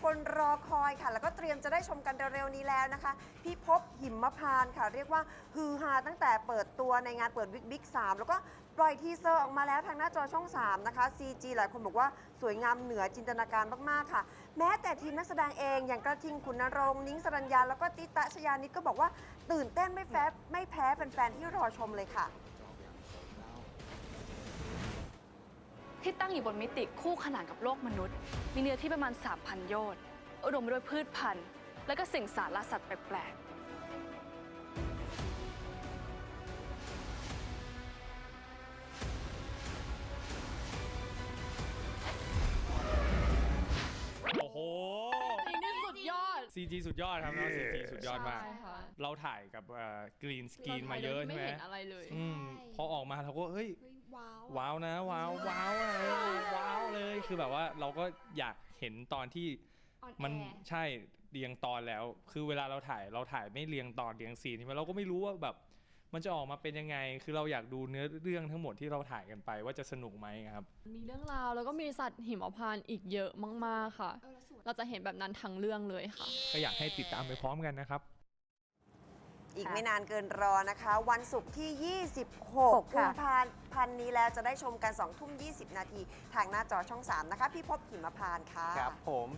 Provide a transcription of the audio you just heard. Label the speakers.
Speaker 1: คนรอคอยค่ะแล้วก็เตรียมจะได้ชมกันเร็วๆนี้แล้วนะคะพี่ภพหิมพานต์ค่ะเรียกว่าฮือฮาตั้งแต่เปิดตัวในงานเปิดบิ๊ก3แล้วก็ปล่อยทีเซอร์ออกมาแล้วทางหน้าจอช่อง3นะคะ CG หลายคนบอกว่าสวยงามเหนือจินตนาการมากๆค่ะแม้แต่ทีมนักแสดงเองอย่างกระทิงขุนนรงค์นิ้งสรัญญาแล้วก็ติตะชยานิดก็บอกว่าตื่นเต้นไม่แพ้แฟนๆที่รอชมเลยค่ะ
Speaker 2: ที่ตั้งอยู่บนมิติคู่ขนานกับโลกมนุษย์ มีเนื้อที่ประมาณ 3,000 โยชน์อุดมไปด้วยพืชพันธุ์ และก็สิ่งสารสัตว์แปลกๆ
Speaker 3: โอ้โห
Speaker 4: จริงที่สุดยอด
Speaker 3: CG สุดยอดครับเนาะ CG สุดยอดมาก
Speaker 4: ใช่ค่ะ
Speaker 3: เราถ่ายกับกรีนสกรีนมาเยอะใช่ไหม
Speaker 4: ไม่เห็นอะไรเลย
Speaker 3: พอออกมาเราก็เฮ้ย
Speaker 5: ว้าว
Speaker 3: ว้าวนะว้าวว้าวอะไรว้าวเลยคือแบบว่าเราก็อยากเห็นตอนที่
Speaker 5: ออนแอร์
Speaker 3: มันใช่เรียงตอนแล้ว คือเวลาเราถ่ายไม่เรียงตอนเรียงซีนใช่ไหมเราก็ไม่รู้ว่าแบบมันจะออกมาเป็นยังไง คือเราอยากดูเนื้อเรื่องทั้งหมดที่เราถ่ายกันไปว่าจะสนุกไหมครับ
Speaker 4: มีเรื่องราวแล้วก็มีสัตว์หิมพานต์อีกเยอะมากๆค่ะ เราจะเห็นแบบนั้นทั้งเรื่องเลยค่ะ
Speaker 3: ก็อยากให้ติดตามไปพร้อมกันนะครับ
Speaker 1: อีกไม่นานเกินรอนะคะ วันศุกร์ที่ 26 กุมภาพันธ์นี้แล้วจะได้ชมกัน 2 ทุ่ม 20 นาที ทางหน้าจอช่อง 3 นะคะ พี่ภพหิมพานต์ค่ะ
Speaker 6: ครับผม